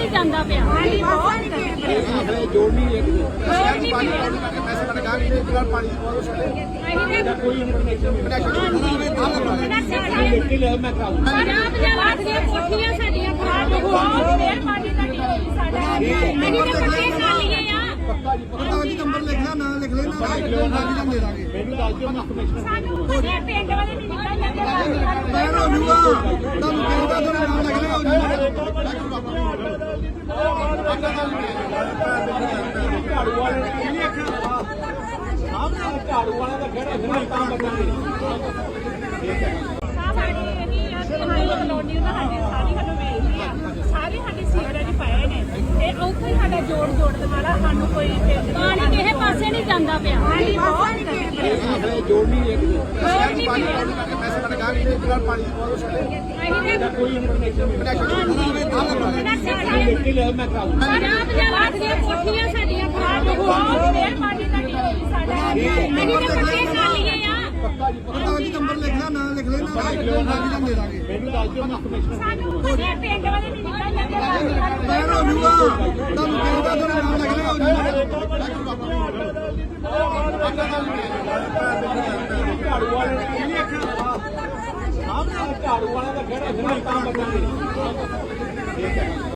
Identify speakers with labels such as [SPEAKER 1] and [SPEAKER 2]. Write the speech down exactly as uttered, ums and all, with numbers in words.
[SPEAKER 1] ਨਹੀਂ ਜਾਂਦਾ ਪਿਆ। ਹਾਂਜੀ ਬਹੁਤ
[SPEAKER 2] ਜੋੜ ਨਹੀਂ ਇੱਕ
[SPEAKER 1] ਜੋੜ ਨਹੀਂ ਮਿਲਿਆ।
[SPEAKER 2] ਪੈਸੇ ਲਗਾ ਕੇ ਇੱਕ ਨਾਲ ਪਾਣੀ ਪਵਾਓ ਸਾਡੇ
[SPEAKER 1] ਅਸੀਂ ਤੇ
[SPEAKER 2] ਕੋਈ ਕਨੈਕਸ਼ਨ ਮੈਂ ਕਰਾਉਂ
[SPEAKER 1] ਪੰਜਾਬ ਦੇ ਲੱਖ ਦੀਆਂ ਕੋਠੀਆਂ ਸਾਡੀਆਂ ਖਰਾਬ ਹੋ ਗਈਆਂ। ਮਿਹਰਬਾਨੀ ਤੁਹਾਡੀ ਹੋਈ ਸਾਡਾ ਅਸੀਂ ਤੇ ਪੱਕੇ ਕਰ ਲਈਏ ਆ।
[SPEAKER 2] ਪਤਾ ਜੀ ਨੰਬਰ ਲਿਖ ਲੈ ਨਾਂ ਲਿਖ ਲੈ ਨਾ ਲਿਖ ਦੇ ਦਾਂਗੇ ਮੈਨੂੰ ਦੱਸ ਦਿਓ ਮੈਂ ਕਮਿਸ਼ਨ
[SPEAKER 1] ਸਾਨੂੰ ਸਾਡੇ ਪਿੰਡ ਵਾਲੇ ਨਹੀਂ ਨਿਕਲ ਜਾਂਦੇ।
[SPEAKER 2] ਮੈਂ ਹੋ ਜੂਗਾ ਤੁਹਾਨੂੰ ਕਹਿੰਦਾ ਤੁਹਾਡਾ ਨਾਮ ਲਿਖ ਲੈ ਹੋ ਜੂਗਾ ਝਾੜੂ ਵਾਲੇ ਝਾੜੂ ਵਾਲਾ ਦਾ ਖੜਾ ਫਿਰ ਤਾਂ ਬਚਾਂਗੇ ਠੀਕ ਹੈ
[SPEAKER 1] ਸਾਡੀ ਇਹੀ ਆ ਕਿ ਹਾਈ ਕਲੋਨੀ ਉਹਨਾਂ ਸਾਡੀ ਸਾਰੀ ਸਾਨੂੰ ਵੇਚਦੀ ਆ। ਸਾਰੇ ਸਾਡੇ ਸੀਵਰੇਜ ਪਏ ਨੇ ਤੇ ਉੱਥੇ ਹੀ ਸਾਡਾ ਜੋੜ ਜੋੜ ਦੇ ਨਾਲ ਸਾਨੂੰ ਕੋਈ ਪਾਣੀ ਕਿਸੇ ਪਾਸੇ ਨਹੀਂ ਜਾਂਦਾ ਪਿਆ। ਹਾਂਜੀ ਬਹੁਤ
[SPEAKER 2] ਜੋੜ ਨਹੀਂ ਇੱਕ
[SPEAKER 1] ਜੋੜ ਨਹੀਂ ਮਿਲਿਆ।
[SPEAKER 2] ਪੈਸੇ ਲਗਾ ਕੇ ਇੱਕ ਨਾਲ ਪਾਣੀ ਪਵਾਓ ਸਾਡੇ
[SPEAKER 1] ਅਸੀਂ ਤੇ
[SPEAKER 2] ਕੋਈ ਕਨੈਕਸ਼ਨ ਮੈਂ ਕਰਾਉਂ
[SPEAKER 1] ਪੰਜਾਬ ਦੇ ਲੱਖ ਦੀਆਂ ਕੋਠੀਆਂ ਸਾਡੀਆਂ ਖਰਾਬ ਹੋ ਗਈਆਂ। ਮਿਹਰਬਾਨੀ ਤੁਹਾਡੀ ਹੋਈ ਸਾਡਾ ਅਸੀਂ ਤੇ ਪੱਕੇ ਕਰ ਲਈਏ ਆ।
[SPEAKER 2] ਪਤਾ ਜੀ ਨੰਬਰ ਲਿਖ ਲੈ ਨਾਂ ਲਿਖ ਲੈ ਨਾ ਲਿਖ ਦੇ ਦਾਂਗੇ ਮੈਨੂੰ ਦੱਸ ਦਿਓ ਮੈਂ ਕਮਿਸ਼ਨ
[SPEAKER 1] ਸਾਨੂੰ ਸਾਡੇ ਪਿੰਡ ਵਾਲੇ ਨਹੀਂ ਨਿਕਲ ਜਾਂਦੇ।
[SPEAKER 2] ਮੈਂ ਹੋ ਜੂਗਾ ਤੁਹਾਨੂੰ ਕਹਿੰਦਾ ਤੁਹਾਡਾ ਨਾਮ ਲਿਖ ਲੈ ਹੋ ਜੂਗਾ ਝਾੜੂ ਵਾਲੇ ਝਾੜੂ ਵਾਲਾ ਦਾ ਖੜਾ ਫਿਰ ਤਾਂ ਬਚਾਂਗੇ ਠੀਕ ਹੈ